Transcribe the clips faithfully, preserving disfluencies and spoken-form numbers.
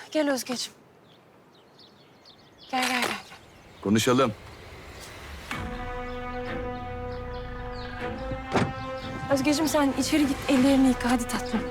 Gel Özgeciğim. Gel, gel, gel. Konuşalım. Özgeciğim sen içeri git, ellerini yıka. Hadi tatlım.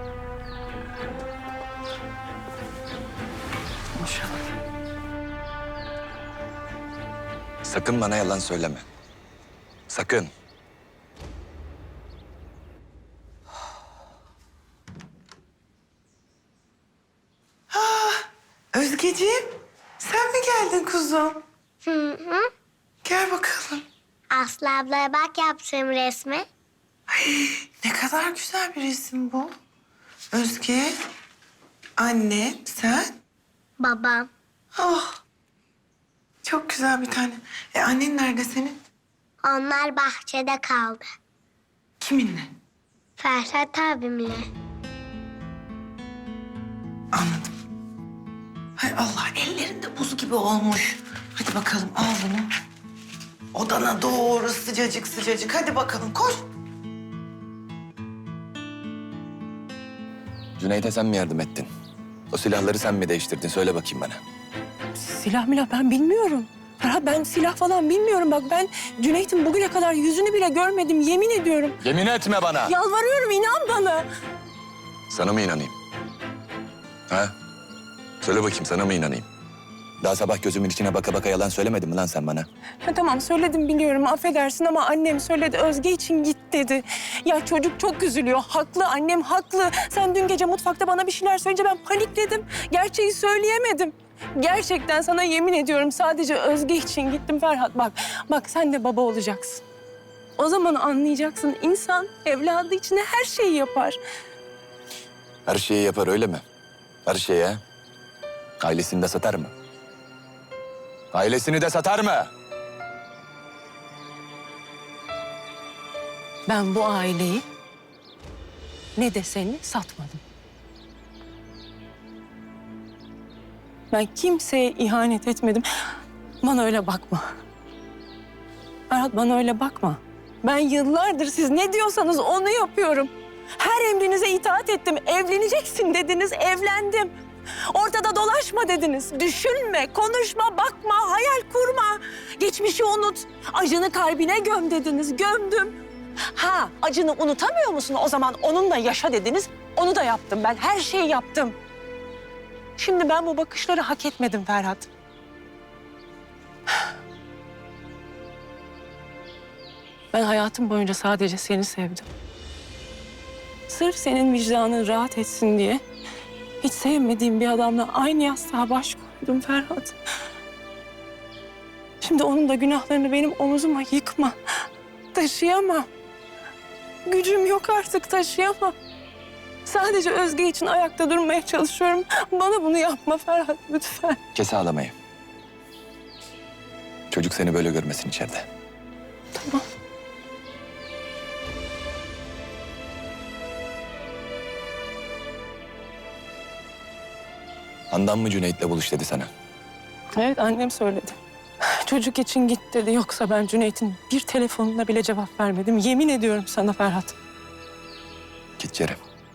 Konuşalım. Sakın bana yalan söyleme. Sakın. Özgeciğim, sen mi geldin kuzum? Hı hı. Gel bakalım. Aslı ablaya bak yaptığım resmi. Ne kadar güzel bir resim bu. Özge, anne, sen. Babam. Oh, çok güzel bir tane. E annen nerede senin? Onlar bahçede kaldı. Kiminle? Ferhat abimle. Anladım. Hay Allah, ellerinde buz gibi olmuş. Hadi bakalım, al bunu. Odana doğru sıcacık sıcacık. Hadi bakalım, koş. Cüneyt'e sen mi yardım ettin? O silahları sen mi değiştirdin? Söyle bakayım bana. Silah milah ben bilmiyorum. Ferhat ben silah falan bilmiyorum. Bak ben Cüneyt'in bugüne kadar yüzünü bile görmedim. Yemin ediyorum. Yemin etme bana. Yalvarıyorum inan bana. Sana mı inanayım? Ha? Söyle bakayım, sana mı inanayım? Daha sabah gözümün içine baka baka yalan söylemedin mi lan sen bana? Ha, tamam söyledim biliyorum affedersin ama annem söyledi Özge için git dedi. Ya çocuk çok üzülüyor. Haklı annem haklı. Sen dün gece mutfakta bana bir şeyler söyleyince ben panikledim. Gerçeği söyleyemedim. Gerçekten sana yemin ediyorum sadece Özge için gittim Ferhat. Bak, bak sen de baba olacaksın. O zaman anlayacaksın insan evladı için her şeyi yapar. Her şeyi yapar öyle mi? Her şeyi ha? Ailesini de satar mı? Ailesini de satar mı? Ben bu aileyi ne de seni satmadım. Ben kimseye ihanet etmedim. Bana öyle bakma. Ferhat bana öyle bakma. Ben yıllardır siz ne diyorsanız onu yapıyorum. Her emrinize itaat ettim. Evleneceksin dediniz, evlendim. Ortada dolaşma dediniz. Düşünme, konuşma, bakma, hayal kurma. Geçmişi unut. Acını kalbine göm dediniz. Gömdüm. Ha, acını unutamıyor musun? O zaman onunla yaşa dediniz. Onu da yaptım ben. Her şeyi yaptım. Şimdi ben bu bakışları hak etmedim Ferhat. Ben hayatım boyunca sadece seni sevdim. Sırf senin vicdanın rahat etsin diye hiç sevmediğim bir adamla aynı yastığa baş koydum Ferhat. Şimdi onun da günahlarını benim omuzuma yıkma. Taşıyamam. Gücüm yok artık taşıyamam. Sadece Özge için ayakta durmaya çalışıyorum. Bana bunu yapma Ferhat lütfen. Kes ağlamayı. Çocuk seni böyle görmesin içeride. Tamam. Handan mı Cüneyt'le buluş dedi sana? Evet annem söyledi. Çocuk için git dedi. Yoksa ben Cüneyt'in bir telefonuna bile cevap vermedim. Yemin ediyorum sana Ferhat. Git Cerem.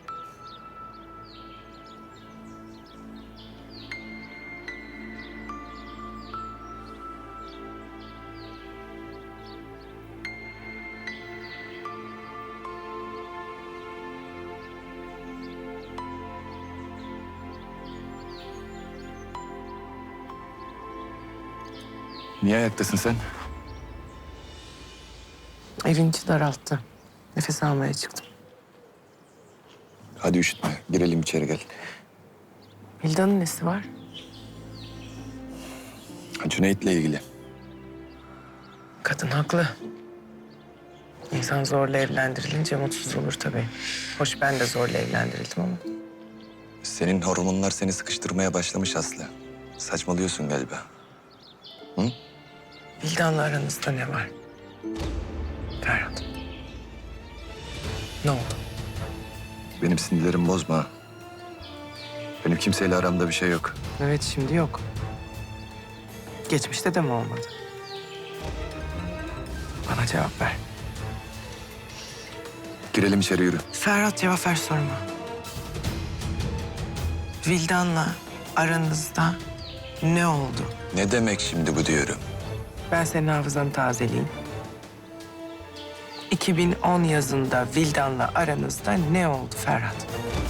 Niye ayaktasın sen? Evin içi daralttı. Nefes almaya çıktım. Hadi üşütme. Girelim içeri gel. Hilda'nın nesi var? Cüneyt'le ilgili. Kadın haklı. İnsan zorla evlendirilince mutsuz olur tabii. Hoş ben de zorla evlendirildim ama. Senin hormonlar seni sıkıştırmaya başlamış Aslı. Saçmalıyorsun galiba. Hı? Hilda'nla aranızda ne var? Ferhat. Ne oldu? Benim sinirlerimi bozma. Benim kimseyle aramda bir şey yok. Evet şimdi yok. Geçmişte de mi olmadı? Bana cevap ver. Girelim içeri yürü. Ferhat cevap ver sorma. Vildan'la aranızda ne oldu? Ne demek şimdi bu diyorum? Ben senin hafızanı tazeleyeyim. iki bin on yazında Vildan'la aranızda ne oldu Ferhat?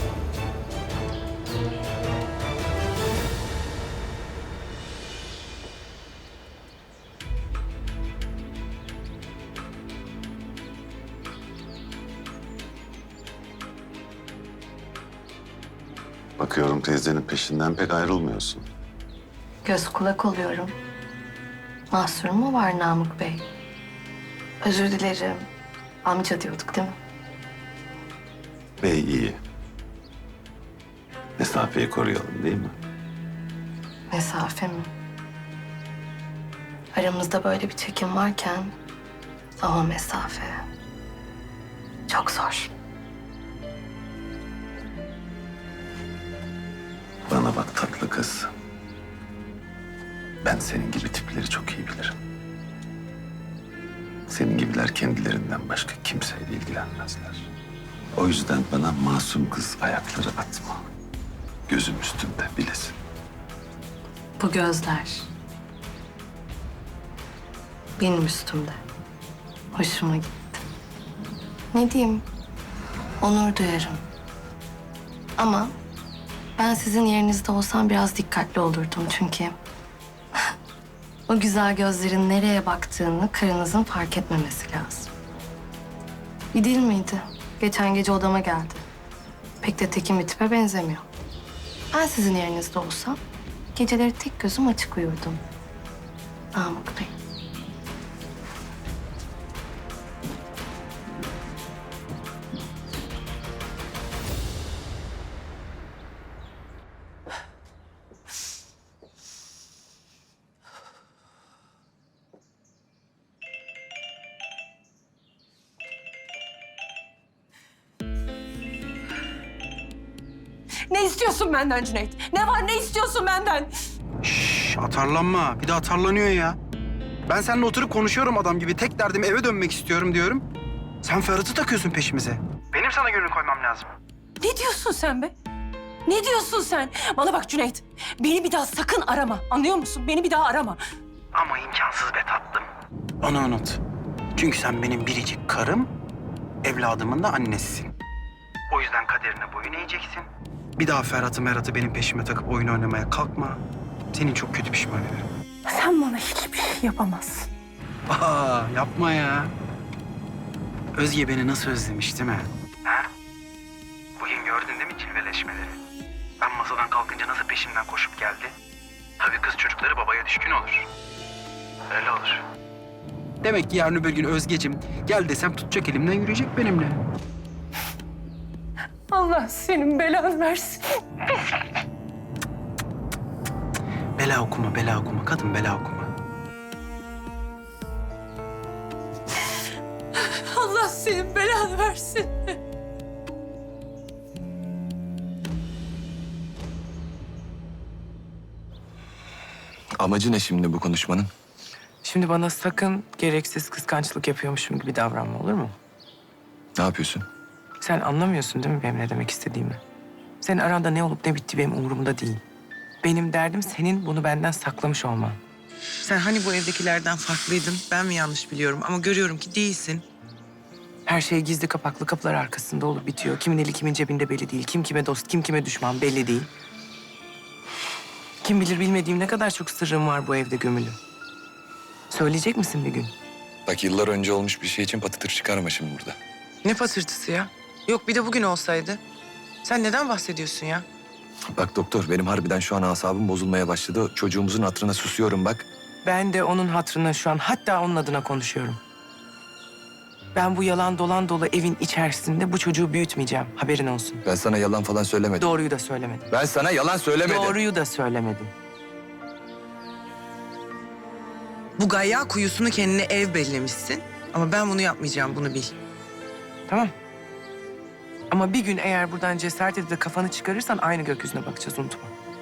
Bakıyorum teyzenin peşinden pek ayrılmıyorsun. Göz kulak oluyorum. Mahsur mu var Namık Bey? Özür dilerim. Amca diyorduk değil mi? Bey iyi. Mesafeyi koruyalım değil mi? Mesafe mi? Aramızda böyle bir çekim varken ama mesafe çok zor. Bana bak tatlı kız. Ben senin gibi tipleri çok iyi bilirim. Senin gibiler kendilerinden başka kimseyle ilgilenmezler. O yüzden bana masum kız ayakları atma. Gözüm üstünde bilesin. Bu gözler benim üstümde. Hoşuma gitti. Ne diyeyim? Onur duyarım. Ama ben sizin yerinizde olsam biraz dikkatli olurdum çünkü o güzel gözlerin nereye baktığını karınızın fark etmemesi lazım. Bir değil miydi? Geçen gece odama geldi. Pek de tekin bir tipe benzemiyor. Ben sizin yerinizde olsam geceleri tek gözüm açık uyurdum. Namık Bey. Ne istiyorsun benden Cüneyt? Ne var, ne istiyorsun benden? Şş, atarlanma. Bir de atarlanıyor ya. Ben seninle oturup konuşuyorum adam gibi. Tek derdim eve dönmek istiyorum diyorum. Sen Ferhat'ı takıyorsun peşimize. Benim sana gönül koymam lazım. Ne diyorsun sen be? Ne diyorsun sen? Bana bak Cüneyt, beni bir daha sakın arama. Anlıyor musun? Beni bir daha arama. Ama imkansız be tatlım. Onu unut. Çünkü sen benim biricik karım, evladımın da annesisin. O yüzden kaderine boyun eğeceksin. Bir daha Ferhat'ı Merat'ı benim peşime takıp oyun oynamaya kalkma. Senin çok kötü pişman ederim. Sen bana hiçbir şey yapamazsın. Aa, yapma ya. Özge beni nasıl özlemiş değil mi? Ha? Bugün gördün değil mi cilveleşmeleri? Ben masadan kalkınca nasıl peşimden koşup geldi? Tabii kız çocukları babaya düşkün olur. Öyle olur. Demek ki yarın öbür gün Özgeciğim gel desem tutacak elimden yürüyecek benimle. Allah senin belanı versin. Bela okuma, bela okuma. Kadın bela okuma. Allah senin belanı versin. Amacı ne şimdi bu konuşmanın? Şimdi bana sakın gereksiz kıskançlık yapıyormuşum gibi davranma, olur mu? Ne yapıyorsun? Sen anlamıyorsun değil mi benim ne demek istediğimi? Senin aranda ne olup ne bitti benim umurumda değil. Benim derdim senin bunu benden saklamış olman. Sen hani bu evdekilerden farklıydın, ben mi yanlış biliyorum ama görüyorum ki değilsin. Her şey gizli kapaklı kapılar arkasında olup bitiyor. Kimin eli kimin cebinde belli değil. Kim kime dost, kim kime düşman belli değil. Kim bilir bilmediğim ne kadar çok sırrım var bu evde gömülü. Söyleyecek misin bir gün? Bak yıllar önce olmuş bir şey için patır çıkarma şimdi burada. Ne patırtısı ya? Yok bir de bugün olsaydı. Sen neden bahsediyorsun ya? Bak doktor benim harbiden şu an asabım bozulmaya başladı. Çocuğumuzun hatırına susuyorum bak. Ben de onun hatırına şu an hatta onun adına konuşuyorum. Ben bu yalan dolan dolu evin içerisinde bu çocuğu büyütmeyeceğim. Haberin olsun. Ben sana yalan falan söylemedim. Doğruyu da söylemedim. Ben sana yalan söylemedim. Doğruyu da söylemedim. Bu gayya kuyusunu kendine ev bellemişsin. Ama ben bunu yapmayacağım, bunu bil. Tamam. Ama bir gün eğer buradan cesaret edip de kafanı çıkarırsan aynı gökyüzüne bakacağız, unutma.